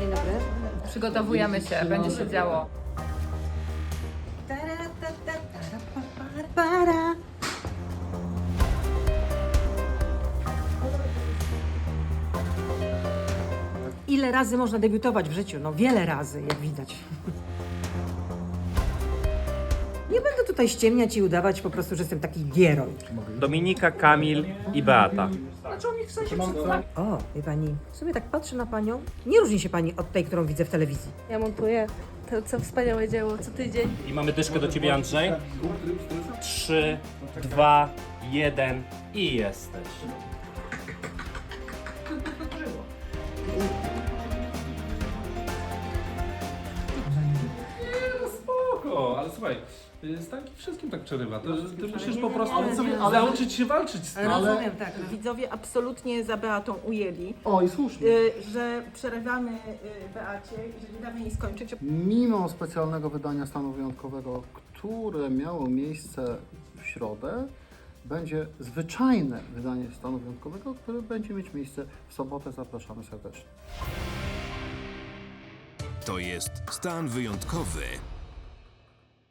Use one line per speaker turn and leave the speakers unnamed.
Dzień dobry.
Przygotowujemy się, będzie się działo.
Ile razy można debiutować w życiu? No wiele razy, jak widać. Nie będę tutaj ściemniać i udawać po prostu, że jestem taki gieroj.
Dominika, Kamil i Beata.
O, wie pani, w sumie tak patrzę na panią. Nie różni się pani od tej, którą widzę w telewizji.
Ja montuję to, co wspaniałe dzieło co tydzień.
I mamy dyszkę do ciebie, Andrzej. 3, 2, 1 i jesteś.
Spoko, ale słuchaj, Stanki wszystkim tak przerywa. Ty musisz po prostu nauczyć się walczyć z tym.
Rozumiem, tak.
Widzowie absolutnie za Beatą ujęli,
O, i słusznie.
że przerywamy Beacie i że nie damy jej skończyć.
Mimo specjalnego wydania stanu wyjątkowego, które miało miejsce w środę, będzie zwyczajne wydanie stanu wyjątkowego, które będzie mieć miejsce w sobotę. Zapraszamy serdecznie.
To jest stan wyjątkowy.